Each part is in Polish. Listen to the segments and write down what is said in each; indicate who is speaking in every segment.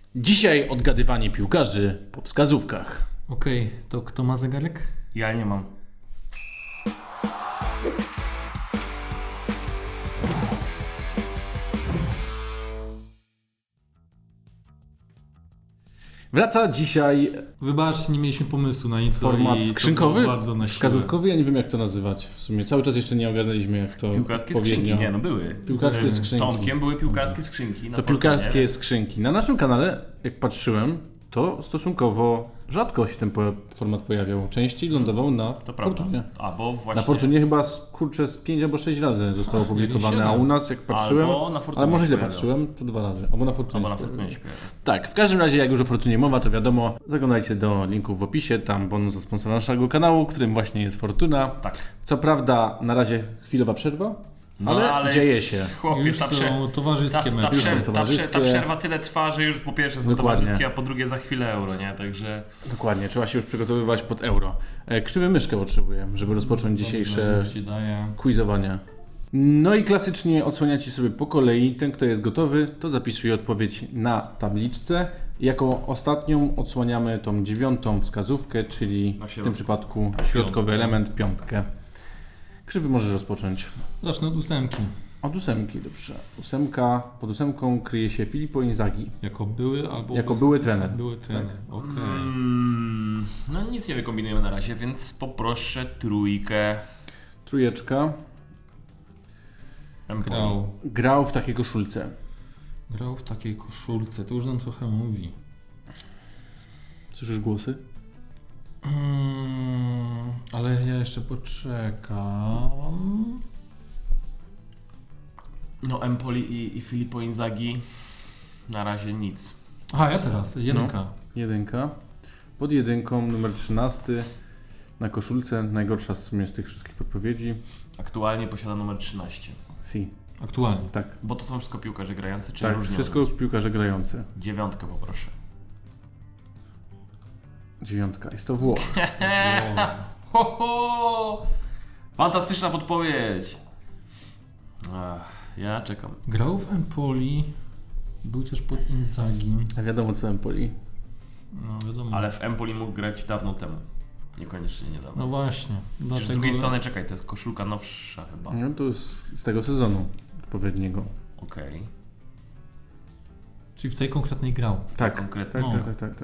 Speaker 1: Dzisiaj odgadywanie piłkarzy po wskazówkach.
Speaker 2: Okej, to kto ma zegarek?
Speaker 3: Ja nie mam.
Speaker 1: Wraca dzisiaj
Speaker 2: Wybaczcie, nie mieliśmy pomysłu na intro
Speaker 1: format
Speaker 2: i
Speaker 1: skrzynkowy,
Speaker 2: to było bardzo na siłę.
Speaker 1: wskazówkowy, ja nie wiem jak to nazywać. W sumie cały czas jeszcze nie ogarnęliśmy jak to
Speaker 3: Piłkarskie
Speaker 1: odpowiednio.
Speaker 3: skrzynki, nie no były.
Speaker 1: Piłkarskie
Speaker 3: Z
Speaker 1: skrzynki.
Speaker 3: Tomkiem były piłkarskie skrzynki. Na
Speaker 1: To
Speaker 3: Fortunie.
Speaker 1: piłkarskie skrzynki. Na naszym kanale, jak patrzyłem, to stosunkowo rzadko się ten format pojawiał. Częściej lądował na
Speaker 3: To prawda.
Speaker 1: Fortunie.
Speaker 3: A, bo właśnie...
Speaker 1: Na Fortunie chyba z 5 albo 6 razy zostało opublikowane, a u nas jak patrzyłem,
Speaker 3: Albo na Fortunie
Speaker 1: ale może
Speaker 3: się
Speaker 1: źle
Speaker 3: pojawiał.
Speaker 1: patrzyłem, to 2 razy. Albo na Fortunie.
Speaker 3: Albo na
Speaker 1: się
Speaker 3: Fortunie
Speaker 1: pojawiło.
Speaker 3: się pojawiał.
Speaker 1: Tak, w każdym razie jak już o Fortunie mowa, to wiadomo, zaglądajcie do linków w opisie, tam bonus za sponsora naszego kanału, którym właśnie jest Fortuna.
Speaker 3: Tak.
Speaker 1: Co prawda na razie chwilowa przerwa, ale dzieje się.
Speaker 3: Chłopie,
Speaker 2: Już są towarzyskie mecze.
Speaker 1: Już są towarzyskie.
Speaker 3: Ta przerwa tyle trwa, że już po pierwsze są
Speaker 1: Dokładnie.
Speaker 3: towarzyskie, a po drugie za chwilę euro, nie? Także...
Speaker 1: Dokładnie, trzeba się już przygotowywać pod euro. Krzywy myszkę potrzebuję, żeby rozpocząć dzisiejsze
Speaker 2: Już ci daję.
Speaker 1: quizowanie. No i klasycznie odsłaniacie sobie po kolei. Ten, kto jest gotowy, to zapisuje odpowiedź na tabliczce. Jako ostatnią odsłaniamy tą 9. wskazówkę, czyli w tym przypadku środkowy element, 5. Krzywy możesz rozpocząć.
Speaker 2: Zacznę od 8.
Speaker 1: Od 8, dobrze. 8, pod 8 kryje się Filippo Inzaghi.
Speaker 2: Jako były albo...
Speaker 1: Jako były trener.
Speaker 2: Były trener, okej.
Speaker 3: No nic nie wykombinujemy na razie, więc poproszę trójkę.
Speaker 1: 3. Grał w takiej koszulce.
Speaker 2: Grał w takiej koszulce, to już nam trochę mówi.
Speaker 1: Słyszysz głosy?
Speaker 2: Ale ja jeszcze poczekam.
Speaker 3: No Empoli i Filippo Inzaghi na razie nic.
Speaker 2: Aha, ja teraz, 1.
Speaker 1: 1. Pod 1 numer 13 na koszulce, najgorsza w sumie z tych wszystkich podpowiedzi.
Speaker 3: Aktualnie posiada numer 13.
Speaker 1: Si.
Speaker 2: Aktualnie.
Speaker 1: Tak,
Speaker 3: Bo to są wszystko piłkarze grający, czy
Speaker 1: tak,
Speaker 3: różnie?
Speaker 1: wszystko piłkarze grające.
Speaker 3: 9 poproszę.
Speaker 1: 9. Jest to Włoch.
Speaker 3: Ho, ho! Fantastyczna podpowiedź! Ja czekam.
Speaker 2: Grał w Empoli, był też pod Inzaghi.
Speaker 1: A wiadomo co Empoli.
Speaker 2: No wiadomo.
Speaker 3: Ale w Empoli mógł grać dawno temu. Niekoniecznie niedawno.
Speaker 2: No właśnie.
Speaker 3: Przecież z drugiej strony, czekaj, to jest koszulka nowsza chyba.
Speaker 1: No to jest z tego sezonu odpowiedniego.
Speaker 3: Okej.
Speaker 2: Czyli w tej konkretnej grał.
Speaker 1: Tak,
Speaker 3: konkretnie.
Speaker 1: tak,
Speaker 2: No.
Speaker 1: tak, tak, tak.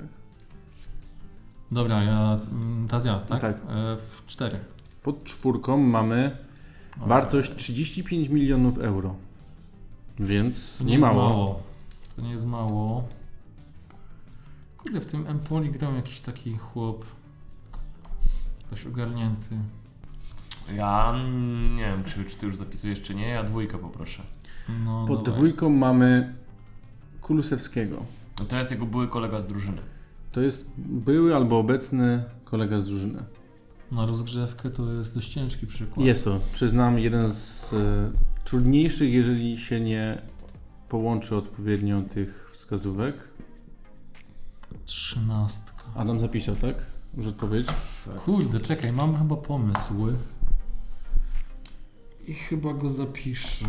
Speaker 2: Teraz ja, tak?
Speaker 1: Tak.
Speaker 2: W 4.
Speaker 1: Pod 4 mamy wartość 35 milionów euro. Więc
Speaker 2: To
Speaker 1: nie
Speaker 2: jest
Speaker 1: mało.
Speaker 2: To nie jest mało. Kurde, w tym Empoli grał jakiś taki chłop. Ktoś ogarnięty.
Speaker 3: Ja nie wiem, czy ty już zapisujesz, czy nie. Ja 2 poproszę.
Speaker 2: No,
Speaker 1: Pod
Speaker 2: dawaj.
Speaker 1: 2 mamy Kulusewskiego.
Speaker 3: No to jest jego były kolega z drużyny.
Speaker 1: To jest były albo obecny kolega z drużyny.
Speaker 2: Na rozgrzewkę to jest dość ciężki przykład.
Speaker 1: Jest to, przyznam, jeden z trudniejszych, jeżeli się nie połączy odpowiednio tych wskazówek.
Speaker 2: 13.
Speaker 1: Adam zapisał, tak? Już odpowiedź?
Speaker 2: Kurde, czekaj, mam chyba pomysł. I chyba go zapiszę.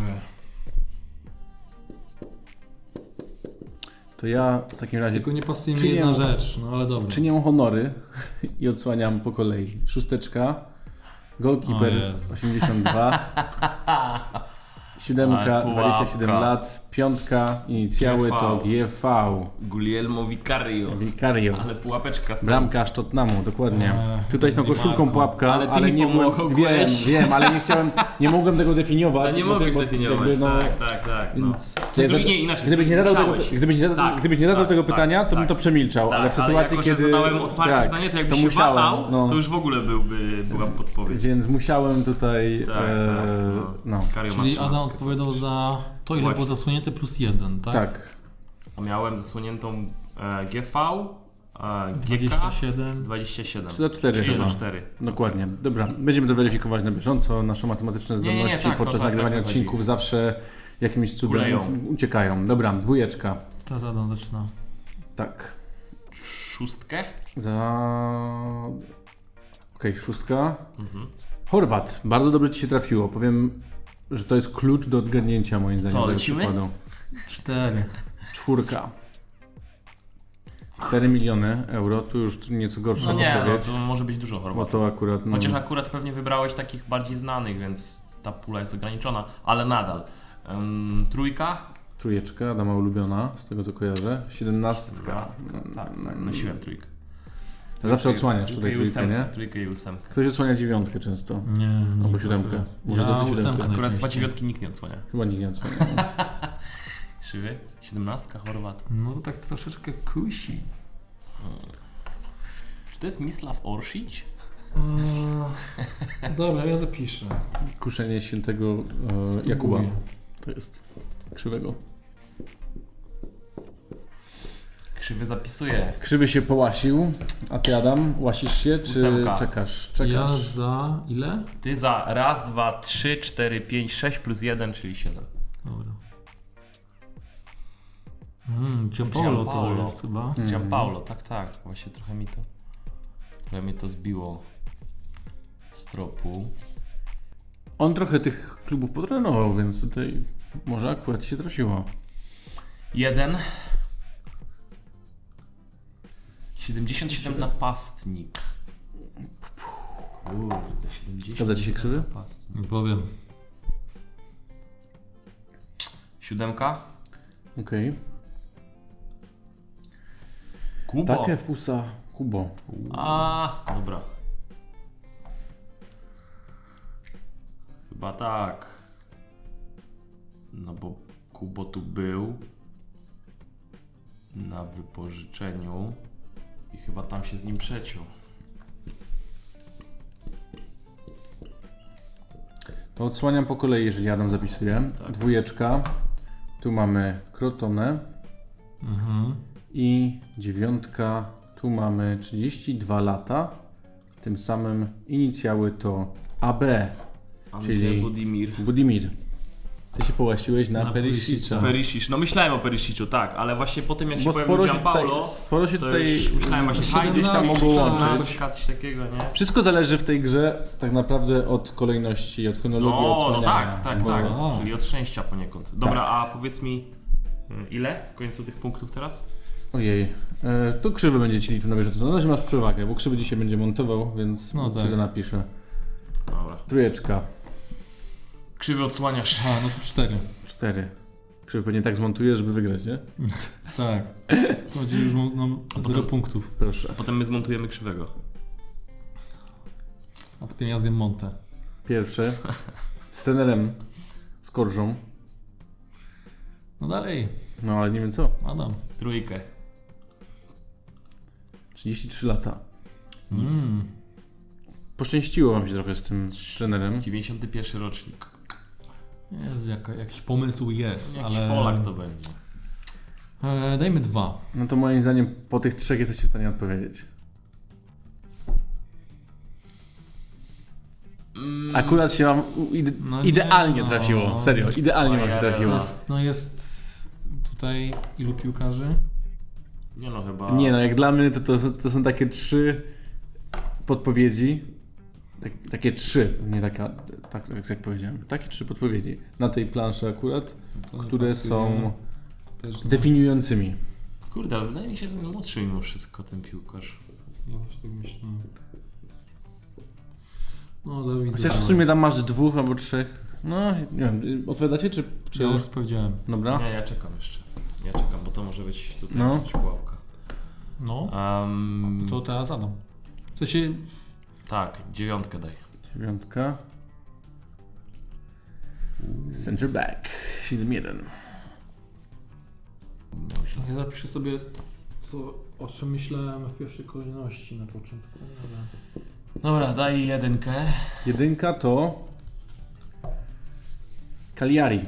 Speaker 1: To ja w takim razie
Speaker 2: Tylko nie pasuje mi
Speaker 1: Czynię-
Speaker 2: jedna rzecz, no ale dobra.
Speaker 1: czynię honory i odsłaniam po kolei. 6, goalkeeper
Speaker 2: O Jezu.
Speaker 1: 82, 7,
Speaker 3: Ale pułapka.
Speaker 1: 27 lat, 5, inicjały to GV,
Speaker 3: Guglielmo Vicario.
Speaker 1: Vicario.
Speaker 3: Ale pułapeczka stała.
Speaker 1: Bramkarz Tottenhamu, dokładnie. Tutaj z tą
Speaker 2: Di
Speaker 1: koszulką
Speaker 2: Marco.
Speaker 1: pułapka,
Speaker 3: Ale ty
Speaker 1: ale
Speaker 3: mi
Speaker 1: nie mogłem,
Speaker 3: pomogłeś.
Speaker 1: wiem, ale nie chciałem, nie mogłem tego definiować.
Speaker 3: Nie
Speaker 1: bo
Speaker 3: mogłeś
Speaker 1: bo
Speaker 3: definiować,
Speaker 1: jakby, no,
Speaker 3: tak. No.
Speaker 1: Więc,
Speaker 3: Nie, inaczej.
Speaker 1: gdybyś nie zadał tego,
Speaker 3: musiałeś.
Speaker 1: gdybyś nie zadał tego pytania, to bym to przemilczał, ale w sytuacji,
Speaker 3: jako, że
Speaker 1: kiedy
Speaker 3: zadałem otwarcie pytanie, to jakbyś się wahał,
Speaker 1: no,
Speaker 3: to już w ogóle była podpowiedź.
Speaker 1: więc musiałem tutaj,
Speaker 3: Tak,
Speaker 1: no,
Speaker 3: Kario ma
Speaker 2: Czyli
Speaker 3: 13.
Speaker 2: Adam odpowiadał za to, ile
Speaker 3: Właśnie.
Speaker 2: było zasłonięte plus 1, tak?
Speaker 1: tak.
Speaker 3: Miałem zasłoniętą GV, GK
Speaker 2: 27.
Speaker 3: 27.
Speaker 1: 3-4.
Speaker 3: 4.
Speaker 1: Dokładnie. Dobra, będziemy to weryfikować na bieżąco. Nasze matematyczne
Speaker 3: Nie,
Speaker 1: zdolności
Speaker 3: tak,
Speaker 1: podczas
Speaker 3: to tak,
Speaker 1: nagrywania
Speaker 3: tak
Speaker 1: odcinków zawsze jakimś cudem
Speaker 3: Kuleją.
Speaker 1: uciekają. Dobra, 2.
Speaker 2: Teraz Adam zaczyna.
Speaker 1: Tak.
Speaker 3: 6.
Speaker 1: Okej, 6. Chorwat. Bardzo dobrze ci się trafiło. Powiem, że to jest klucz do odgadnięcia moim zdaniem.
Speaker 3: Co,
Speaker 1: tego
Speaker 3: lecimy?
Speaker 1: przykładu.
Speaker 2: 4.
Speaker 1: 4. 4 miliony euro, tu już nieco gorsza
Speaker 3: No nie, no,
Speaker 1: odpowiedź.
Speaker 3: to może być dużo
Speaker 1: Bo
Speaker 3: Chorwatów.
Speaker 1: to akurat... No,
Speaker 3: Chociaż akurat pewnie wybrałeś takich bardziej znanych, więc ta pula jest ograniczona, ale nadal. Trójka?
Speaker 1: Trójeczka, dama ulubiona, z tego co kojarzę. 17.
Speaker 3: Tak, nosiłem trójkę.
Speaker 1: Zawsze odsłaniasz tutaj trójkę, nie?
Speaker 3: Trójkę i ósemkę.
Speaker 1: Ktoś odsłania dziewiątkę często.
Speaker 2: Nie.
Speaker 1: Albo siódemkę. Może to ty siódemkę.
Speaker 2: ósemkę
Speaker 3: Akurat chyba
Speaker 2: najczęściej.
Speaker 3: dziewiątki nikt nie odsłania.
Speaker 1: Chyba nikt nie odsłania.
Speaker 3: Krzywy? 17 Chorwat.
Speaker 2: No to tak troszeczkę kusi.
Speaker 3: Czy to jest Mislav Orsic?
Speaker 2: Dobra, ja zapiszę.
Speaker 1: Kuszenie świętego Jakuba. To jest krzywego.
Speaker 3: Krzywy zapisuje.
Speaker 1: Krzywy się połasił, a ty Adam, łasisz się, czy
Speaker 3: Ósemka.
Speaker 1: czekasz?
Speaker 2: Ja za ile?
Speaker 3: Ty za raz, dwa, 3, 4, 5, 6 plus 1, czyli 7.
Speaker 2: Dobra. Gianpaolo to
Speaker 3: Gianpaolo.
Speaker 2: jest chyba.
Speaker 3: Gianpaolo, tak. Właśnie trochę mnie to zbiło z tropu.
Speaker 1: On trochę tych klubów potrenował, więc tutaj może akurat się trafiło.
Speaker 3: 1. 77 napastnik. Kurde, 70.
Speaker 1: Zgadza ci się Krzywy?
Speaker 3: Napastnik.
Speaker 2: Nie powiem.
Speaker 3: 7.
Speaker 1: Okej.
Speaker 3: Kubo.
Speaker 1: Takie fusa Kubo.
Speaker 3: A, dobra. Chyba tak. No bo Kubo tu był na wypożyczeniu i chyba tam się z nim przeciął.
Speaker 1: To odsłaniam po kolei, jeżeli Adam zapisuje.
Speaker 3: Tak.
Speaker 1: Dwójeczka. Tu mamy Crotone. I dziewiątka. Tu mamy 32 lata. Tym samym inicjały to AB, czyli Budimir. Ty się połasiłeś na Perisicza.
Speaker 3: Perisic. No myślałem o Perisiciu, tak, ale właśnie po tym jak się
Speaker 1: Bo
Speaker 3: pojawił Gianpaolo,
Speaker 1: sporo się
Speaker 3: to
Speaker 1: tutaj
Speaker 3: już myślałem właśnie, fajnie
Speaker 1: gdzieś tam mogło łączyć.
Speaker 3: coś takiego, nie?
Speaker 1: Wszystko zależy w tej grze tak naprawdę od kolejności, od chronologii
Speaker 3: No
Speaker 1: odsłaniania.
Speaker 3: tak,
Speaker 1: bo-
Speaker 3: tak. Czyli od szczęścia poniekąd. Dobra, a powiedz mi, ile w końcu tych punktów teraz?
Speaker 1: Ojej, to Krzywy będzie ci liczył na bieżąco. Na razie masz przewagę, bo Krzywy dzisiaj będzie montował, więc
Speaker 2: No
Speaker 1: ci
Speaker 2: tak.
Speaker 1: to napiszę.
Speaker 3: Dobra.
Speaker 1: Trójeczka,
Speaker 3: Krzywy odsłaniasz.
Speaker 2: A, no to 4.
Speaker 1: 4. Krzywy pewnie tak zmontuje, żeby wygrać, nie?
Speaker 2: Tak. To będzie już nam 0 punktów.
Speaker 1: Proszę.
Speaker 3: Potem my zmontujemy Krzywego.
Speaker 2: A potem ja zjem Monte.
Speaker 1: Pierwsze. Z trenerem Skorżą.
Speaker 2: No dalej.
Speaker 1: No ale nie wiem co.
Speaker 2: Adam.
Speaker 3: Trójkę.
Speaker 1: 33 lata.
Speaker 3: Nic.
Speaker 1: Poszczęściło wam się trochę z tym trenerem.
Speaker 3: 91 rocznik.
Speaker 2: Jest jakiś pomysł jest,
Speaker 3: Jakiś
Speaker 2: ale...
Speaker 3: Polak to będzie.
Speaker 2: Dajmy 2.
Speaker 1: No to moim zdaniem po tych 3 jesteście w stanie odpowiedzieć. Akurat się wam
Speaker 2: No
Speaker 1: idealnie
Speaker 2: nie, no.
Speaker 1: trafiło. Serio, idealnie wam się trafiło.
Speaker 2: Jest tutaj ilu piłkarzy?
Speaker 3: Nie no, chyba...
Speaker 1: Nie no, jak dla mnie to są takie 3 podpowiedzi. Takie 3, nie taka, tak jak powiedziałem. Takie 3 podpowiedzi na tej planszy akurat,
Speaker 2: To nie
Speaker 1: które
Speaker 2: pasuje.
Speaker 1: są
Speaker 2: Też
Speaker 1: definiującymi.
Speaker 3: Kurde, ale wydaje mi się, że młodszy mimo wszystko ten piłkarz.
Speaker 2: Ja właśnie tak myślę. No, Dawid.
Speaker 1: Chociaż w sumie tam masz 2 albo 3. No, nie wiem, odpowiadacie czy...
Speaker 2: Ja już powiedziałem.
Speaker 1: Dobra.
Speaker 3: Nie, ja czekam jeszcze. Ja czekam, bo to może być tutaj
Speaker 1: No.
Speaker 3: jakaś pułapka.
Speaker 2: No,
Speaker 3: Um,
Speaker 2: to teraz Adam. W sensie...
Speaker 3: Tak, 9 daj.
Speaker 1: 9. Center back. 7-1.
Speaker 2: Ja zapiszę sobie, o czym myślałem w pierwszej kolejności na początku.
Speaker 3: Dobra, daj 1.
Speaker 1: 1 to... Cagliari.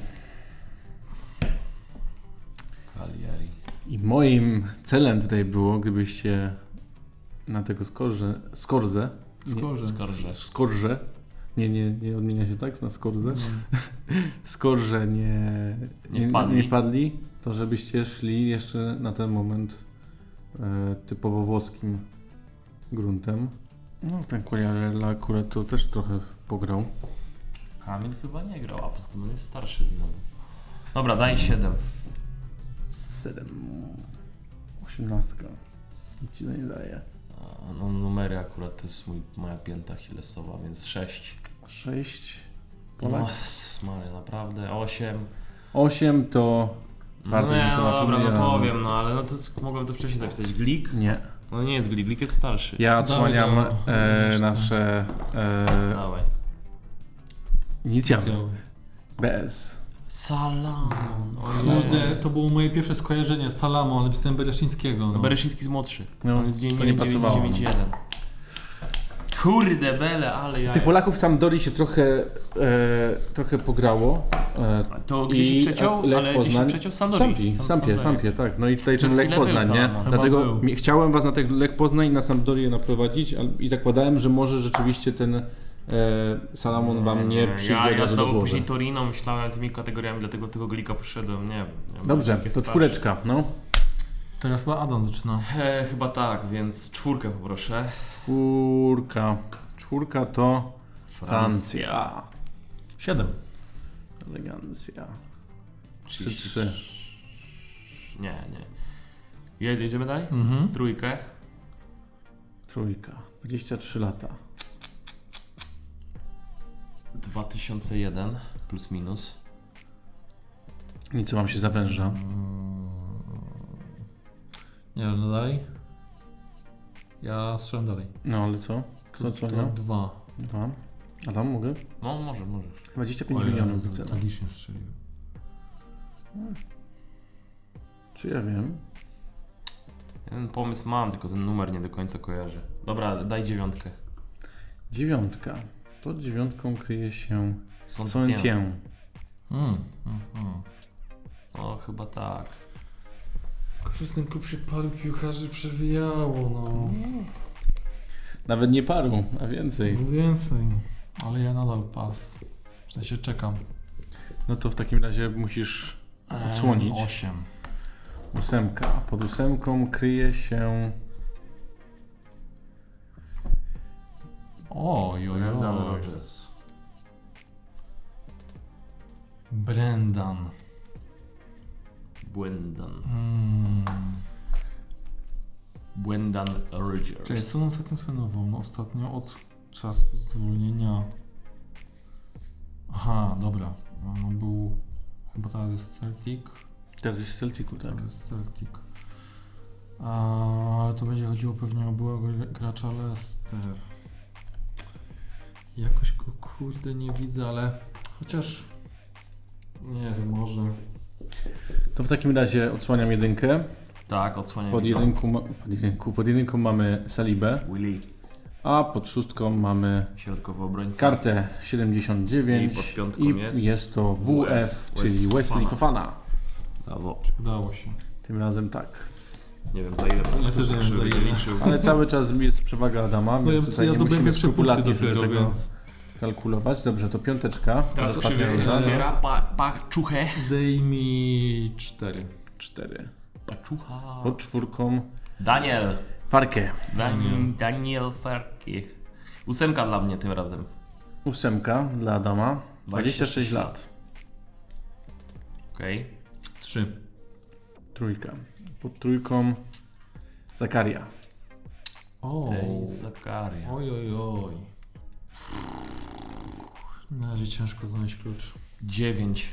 Speaker 3: Cagliari.
Speaker 1: I moim celem tutaj było, gdybyście na tego Skorzę.
Speaker 3: Skorże.
Speaker 1: Nie odmienia się tak na Skorzę. Skorże
Speaker 3: Nie
Speaker 1: wpadli, to żebyście szli jeszcze na ten moment typowo włoskim gruntem. No ten Quagliarella akurat to też trochę pograł.
Speaker 3: Kamil chyba nie grał, a poza tym on jest starszy znowu. Dobra, daj 7.
Speaker 1: 7. 18. Nic ci to nie daje.
Speaker 3: No numery akurat to jest moja pięta achillesowa, więc 6.
Speaker 1: 6.
Speaker 3: No,
Speaker 1: Polak.
Speaker 3: Maria, naprawdę. 8.
Speaker 1: 8 to bardzo
Speaker 3: nie,
Speaker 1: dziękuję.
Speaker 3: no dobra, no powiem, no ale no to mogłem to wcześniej zapisać. Glik?
Speaker 1: Nie.
Speaker 3: No nie jest Glik, Glik jest starszy.
Speaker 1: Ja odsłaniam
Speaker 2: Dawaj, dawaj.
Speaker 1: nasze
Speaker 3: Dawaj.
Speaker 1: inicjały. BS.
Speaker 3: Salamon.
Speaker 2: Kurde, to było moje pierwsze skojarzenie z Salamą, ale pisałem Bereszyńskiego.
Speaker 3: No
Speaker 2: No.
Speaker 3: Bereszyński jest młodszy.
Speaker 1: No,
Speaker 3: On jest dzień
Speaker 1: to nie pasowało.
Speaker 3: 991. Kurde bele, ale ja...
Speaker 1: Tych Polaków w Sampdori się trochę pograło.
Speaker 3: To gdzieś się przeciął,
Speaker 1: Lech
Speaker 3: ale gdzieś się
Speaker 1: Poznań.
Speaker 3: przeciął w Sampdori.
Speaker 1: Sampie, tak. No i tutaj
Speaker 3: Przez
Speaker 1: ten Lech
Speaker 3: chwilę był
Speaker 1: Poznań, nie?
Speaker 3: Salamon.
Speaker 1: Dlatego
Speaker 2: Chyba był.
Speaker 1: chciałem was na ten Lech Poznań i na Sampdorię naprowadzić i zakładałem, że może rzeczywiście ten Salamon wam nie przyjdzie od
Speaker 3: Ja
Speaker 1: razu do
Speaker 3: znowu
Speaker 1: głowy.
Speaker 3: później Torino myślałem tymi kategoriami, dlatego tego Glika poszedłem, nie wiem. Ja
Speaker 1: Dobrze,
Speaker 3: byłem
Speaker 1: to
Speaker 3: starszy.
Speaker 1: 4, no.
Speaker 2: Teraz chyba Adam zaczyna.
Speaker 3: Chyba tak, więc 4 poproszę.
Speaker 1: 4 to Francja.
Speaker 2: 7.
Speaker 1: Elegancja.
Speaker 3: 30.
Speaker 1: 3-3.
Speaker 3: Nie. Jedziemy dalej?
Speaker 2: Mhm.
Speaker 3: 3.
Speaker 1: 23 lata.
Speaker 3: 2001 plus minus.
Speaker 1: Nic wam się zawęża.
Speaker 2: Nie wiem, no dalej. Ja strzelam dalej.
Speaker 1: No ale co? Kto
Speaker 2: To
Speaker 1: odsłaniał?
Speaker 2: 2.
Speaker 1: 2. Adam, mogę?
Speaker 3: No, możesz.
Speaker 1: 25 milionów wycena.
Speaker 2: Tragicznie strzeliłem.
Speaker 1: Czy ja wiem?
Speaker 3: Jeden pomysł mam, tylko ten numer nie do końca kojarzy. Dobra, daj 9.
Speaker 1: 9. Pod 9 kryje się
Speaker 3: Saint-Étienne.
Speaker 1: Saint-Étienne.
Speaker 3: No, chyba tak.
Speaker 2: Przez ten klub się paru piłkarzy przewijało, no.
Speaker 1: Nawet nie paru, a więcej.
Speaker 2: Więcej. Ale ja nadal pas. W sensie czekam.
Speaker 1: No to w takim razie musisz odsłonić.
Speaker 2: 8.
Speaker 1: 8. Pod 8 kryje się
Speaker 3: Brendan Rodgers.
Speaker 2: Brendan.
Speaker 3: Brendan
Speaker 2: Cześć,
Speaker 3: Rodgers.
Speaker 2: co on ostatnio trenował? No ostatnio od czasu zwolnienia. Aha, dobra. No był... Chyba teraz jest Celtic.
Speaker 1: teraz jest w Celticu, tak?
Speaker 2: To jest Celtic. Ale to będzie chodziło pewnie o byłego gracza Leicester. Jakoś go kurde nie widzę, ale chociaż nie wiem, może.
Speaker 1: To w takim razie odsłaniam 1.
Speaker 3: Tak, odsłaniam.
Speaker 1: Pod jedynką mamy Salibę,
Speaker 3: Willy,
Speaker 1: a pod 6 mamy
Speaker 3: środkowy obrońca.
Speaker 1: kartę 79
Speaker 3: I pod 5
Speaker 1: jest to WF, czyli Wesley Fofana.
Speaker 3: Brawo.
Speaker 2: Udało się.
Speaker 1: Tym razem tak.
Speaker 3: Nie wiem za ile.
Speaker 2: Ja też nie wiem, za ile.
Speaker 3: liczył.
Speaker 1: Ale cały czas jest przewaga Adama,
Speaker 2: No
Speaker 1: więc
Speaker 2: ja
Speaker 1: tutaj nie
Speaker 2: zdobyłem
Speaker 1: musimy
Speaker 2: pierwsze punkty
Speaker 1: skrupulatnie sobie
Speaker 2: dopiero,
Speaker 1: tego
Speaker 2: więc
Speaker 1: kalkulować. Dobrze, to 5.
Speaker 3: Teraz
Speaker 1: Ostatnia
Speaker 3: krzywy
Speaker 1: runda.
Speaker 3: otwiera paczuchę.
Speaker 2: daj mi 4.
Speaker 1: 4.
Speaker 3: Paczucha.
Speaker 1: Pod 4
Speaker 3: Daniel.
Speaker 1: Farkę.
Speaker 3: Daniel Farki. 8 dla mnie tym razem.
Speaker 1: 8 dla Adama. 26 lat.
Speaker 3: Okej.
Speaker 2: 3.
Speaker 1: 3. Pod 3 Zakaria.
Speaker 2: O.
Speaker 3: Ej, Zakaria.
Speaker 2: Oj. Na razie ciężko znaleźć klucz.
Speaker 3: 9.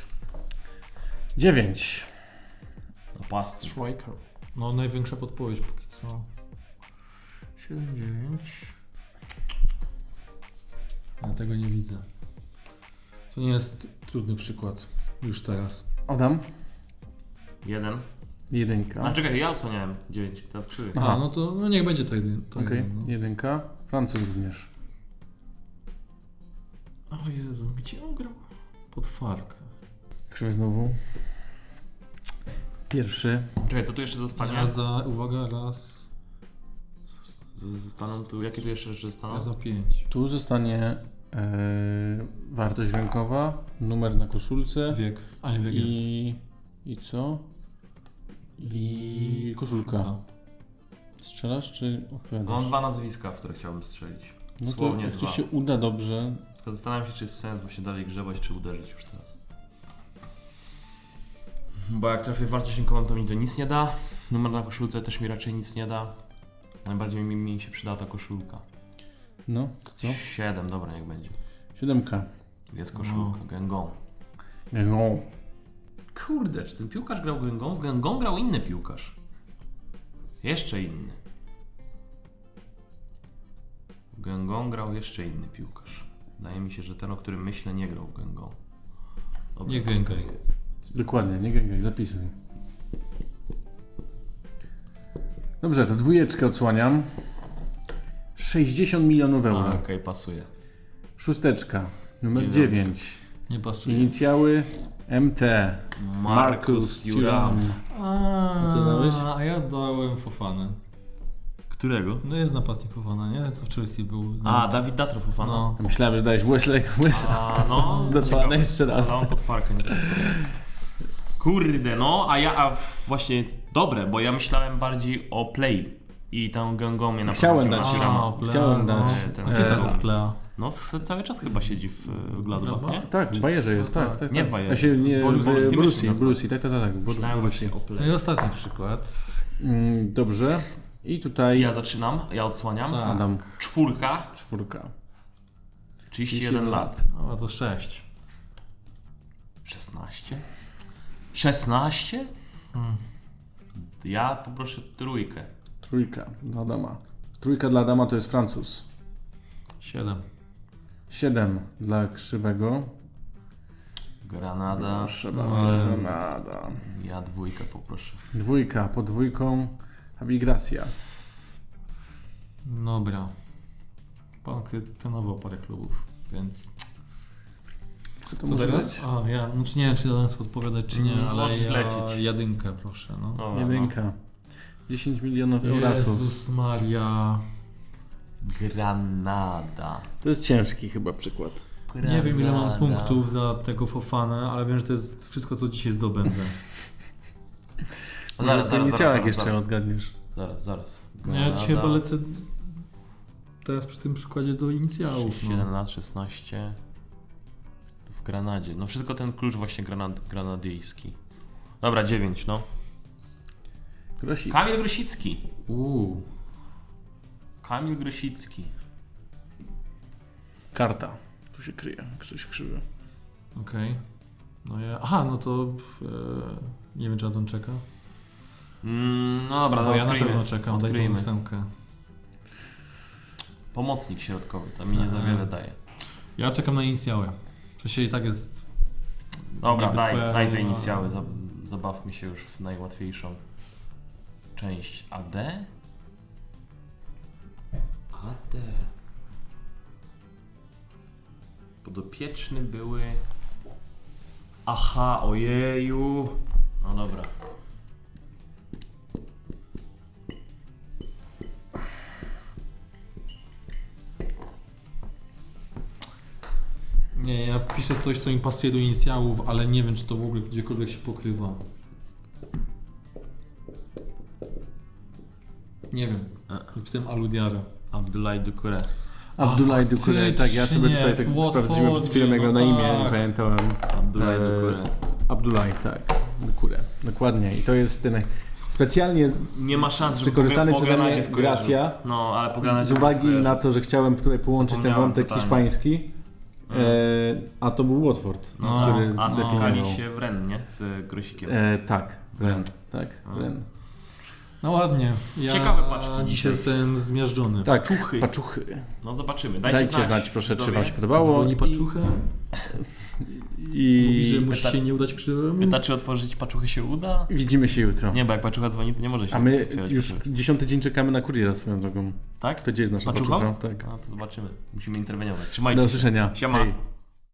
Speaker 1: 9.
Speaker 3: Napastnik.
Speaker 2: Striker. No największa podpowiedź póki co. 7-9. Ja tego nie widzę. To nie jest trudny przykład. Już teraz.
Speaker 1: Adam.
Speaker 3: 1.
Speaker 1: 1.
Speaker 3: A czekaj, ja odsłaniałem 9. Teraz krzywy.
Speaker 1: Aha.
Speaker 2: A, no to no niech będzie to jeden. To
Speaker 1: Okej,
Speaker 2: jeden, no.
Speaker 1: 1. Francuz również.
Speaker 2: O Jezu, gdzie on grał? Pod Farkę.
Speaker 1: Krzywy znowu. 1.
Speaker 3: Czekaj, co tu jeszcze zostanie?
Speaker 2: Ja za, uwaga, raz.
Speaker 3: Zostaną tu, jakie tu jeszcze rzeczy
Speaker 2: Ja
Speaker 3: zostaną?
Speaker 2: za 5.
Speaker 1: Tu zostanie wartość rynkowa, numer na koszulce
Speaker 2: Wiek. A nie wiek jest.
Speaker 1: i co? I koszulka. Strzelasz czy odpowiadasz?
Speaker 3: Mam 2 nazwiska, w które chciałbym strzelić.
Speaker 1: No to
Speaker 3: Dosłownie
Speaker 1: jak
Speaker 3: 2.
Speaker 1: ci się uda dobrze,
Speaker 3: Tylko zastanawiam się, czy jest sens właśnie dalej grzebać, czy uderzyć już teraz. Bo jak trafię w wartość rynkową, to mi to nic nie da. Numer na koszulce też mi raczej nic nie da. Najbardziej mi się przydała ta koszulka.
Speaker 1: No, to co?
Speaker 3: 7, dobra, niech będzie.
Speaker 1: 7.
Speaker 3: Jest koszulka, Gengong.
Speaker 1: No.
Speaker 3: Kurde, czy ten piłkarz grał Gengong? W Gengong grał inny piłkarz. Jeszcze inny. W Gengong grał jeszcze inny piłkarz. Wydaje mi się, że ten, o którym myślę, nie grał w Gengong. Dobra.
Speaker 2: Nie gęgaj.
Speaker 1: Dokładnie, nie gęgaj, zapisuj. Dobrze, to 2 odsłaniam. 60 milionów euro.
Speaker 3: Okej, pasuje.
Speaker 1: 6. Numer
Speaker 3: 9.
Speaker 1: 9.
Speaker 2: Nie pasuje.
Speaker 1: Inicjały MT. Marcus Thuram.
Speaker 2: Co
Speaker 1: dałeś?
Speaker 2: A ja dałem Fofanę.
Speaker 3: Którego?
Speaker 2: No jest napastnik Fofana, nie? Co w Chelsea był.
Speaker 3: A, Dawid Datro Fofana.
Speaker 2: No.
Speaker 1: Myślałem, że dałeś Wesley'ego.
Speaker 3: A, no.
Speaker 1: Dotknę jeszcze raz.
Speaker 3: Ale on pod farkę nie pasuje. Kurde, no, właśnie dobre, bo ja myślałem bardziej o Play i tam Gengong mnie
Speaker 1: Chciałem
Speaker 3: naprowadził
Speaker 1: dać.
Speaker 3: na Thurama.
Speaker 2: Plea,
Speaker 1: Chciałem
Speaker 2: no.
Speaker 1: dać.
Speaker 3: Ten-
Speaker 2: A gdzie teraz jest Plea?
Speaker 3: No, cały czas chyba siedzi w Gladbach, nie?
Speaker 1: Tak, w Bayerze jest,
Speaker 2: No
Speaker 1: tak.
Speaker 3: Nie w Bayerze.
Speaker 1: A się nie,
Speaker 3: Borussii
Speaker 1: w Borussii, tak.
Speaker 3: Myślałem właśnie o
Speaker 2: No
Speaker 3: Play.
Speaker 2: i ostatni przykład.
Speaker 1: Dobrze. I tutaj
Speaker 3: Ja zaczynam, ja odsłaniam.
Speaker 2: Tak.
Speaker 1: Adam.
Speaker 3: 4,
Speaker 1: 4.
Speaker 3: 31 lat.
Speaker 2: No a to 6.
Speaker 3: 16? 16? Ja poproszę 3.
Speaker 1: 3 dla Adama. 3 dla Adama to jest Francuz.
Speaker 2: 7.
Speaker 1: 7 dla Krzywego.
Speaker 3: Granada.
Speaker 1: Proszę
Speaker 2: No,
Speaker 1: bardzo,
Speaker 2: Jezu.
Speaker 1: Granada.
Speaker 3: Ja 2 poproszę.
Speaker 1: 2 pod 2. Abigracja.
Speaker 2: Dobra. Pan trenował parę klubów, więc...
Speaker 1: Co to
Speaker 2: To
Speaker 1: może
Speaker 2: teraz?
Speaker 1: być?
Speaker 2: A, ja, znaczy nie wiem, czy dałem odpowiadać, czy nie, ale
Speaker 3: Możesz
Speaker 2: ja
Speaker 3: lecieć.
Speaker 2: jedynkę proszę, no.
Speaker 3: Dobra,
Speaker 1: 1. 10 milionów eurasów.
Speaker 2: Jezus Maria.
Speaker 3: Granada.
Speaker 1: To jest ciężki chyba przykład.
Speaker 2: Nie wiem, ile mam punktów za tego Fofanę, ale wiem, że to jest wszystko, co dzisiaj zdobędę.
Speaker 1: Nie ciałek jeszcze odgadniesz.
Speaker 3: Zaraz.
Speaker 2: No ja dzisiaj chyba lecę teraz przy tym przykładzie do inicjałów.
Speaker 3: 7
Speaker 2: No.
Speaker 3: lat, 16. W Granadzie. No wszystko ten klucz właśnie granadyjski. Dobra, 9, no.
Speaker 1: Grosik.
Speaker 3: Kamil Grosicki. Kamil Grosicki.
Speaker 1: Karta. Tu się kryje, jak coś krzywy.
Speaker 2: Okej. No ja... Aha, no to... nie wiem, czy Adam czeka.
Speaker 3: No dobra,
Speaker 2: Bo
Speaker 3: no
Speaker 2: ja na
Speaker 3: odkryjmy.
Speaker 2: pewno czekam, daj tą
Speaker 3: Odkryjmy.
Speaker 2: 8.
Speaker 3: Pomocnik środkowy, to mi nie za wiele daje.
Speaker 2: Ja czekam na inicjały. To się i tak jest...
Speaker 3: Dobra,
Speaker 2: Niby twoja
Speaker 3: daj te
Speaker 2: rola.
Speaker 3: inicjały, zabawmy się już w najłatwiejszą część. AD? AD. Podopieczny były... Aha, ojeju. No dobra.
Speaker 2: Nie, ja wpiszę coś, co mi pasuje do inicjałów, ale nie wiem, czy to w ogóle gdziekolwiek się pokrywa. Nie wiem. Wpisałem Aludiara.
Speaker 3: Abdullah Doucouré.
Speaker 1: Abdullah Doucouré, tak, ja sobie tutaj tak sprawdziłem przed chwilą jego na imię, nie pamiętałem.
Speaker 3: Abdullah Doucouré.
Speaker 1: Abdullah, tak, Doucouré, dokładnie. I to jest ten specjalnie
Speaker 3: Nie ma szans, żeby
Speaker 1: wykorzystany
Speaker 3: po
Speaker 1: przeze mnie
Speaker 3: Granadzie skojarzył.
Speaker 1: Gracia,
Speaker 3: No, ale po Granadzie
Speaker 1: z uwagi
Speaker 3: skojarzył.
Speaker 1: na to, że chciałem tutaj połączyć ten
Speaker 3: Zapomniałem
Speaker 1: wątek
Speaker 3: totalnie.
Speaker 1: hiszpański, a to był Watford,
Speaker 3: No,
Speaker 1: który
Speaker 3: a spotkali
Speaker 1: zdefiniował.
Speaker 3: się w Rennes, nie? Z Grosikiem.
Speaker 1: Tak, Rennes, tak, Rennes.
Speaker 2: No ładnie. Ja
Speaker 3: Ciekawe paczki
Speaker 2: dzisiaj
Speaker 3: dzisiaj.
Speaker 2: jestem zmiażdżony.
Speaker 1: Tak,
Speaker 3: Paczuchy.
Speaker 1: paczuchy.
Speaker 3: No zobaczymy.
Speaker 1: Dajcie znać proszę, czy
Speaker 3: widzowie.
Speaker 1: wam się podobało.
Speaker 2: Dzwoni paczuchę, mówi, że
Speaker 1: I
Speaker 2: musi się nie udać krzywemu.
Speaker 3: Pyta, czy otworzyć paczuchy się uda?
Speaker 1: widzimy się jutro.
Speaker 3: Nie, bo jak paczucha dzwoni, to nie może się
Speaker 1: A my
Speaker 3: otwierać
Speaker 1: już
Speaker 3: paczuchy.
Speaker 1: 10 dzień czekamy na kuriera swoją drogą.
Speaker 3: Tak?
Speaker 1: To gdzie jest
Speaker 3: Z
Speaker 1: nasza
Speaker 3: paczuchą?
Speaker 1: paczucha? Tak.
Speaker 3: No to zobaczymy. Musimy interweniować. Trzymajcie
Speaker 1: Do
Speaker 3: się.
Speaker 1: usłyszenia.
Speaker 3: Siema.
Speaker 1: Hej.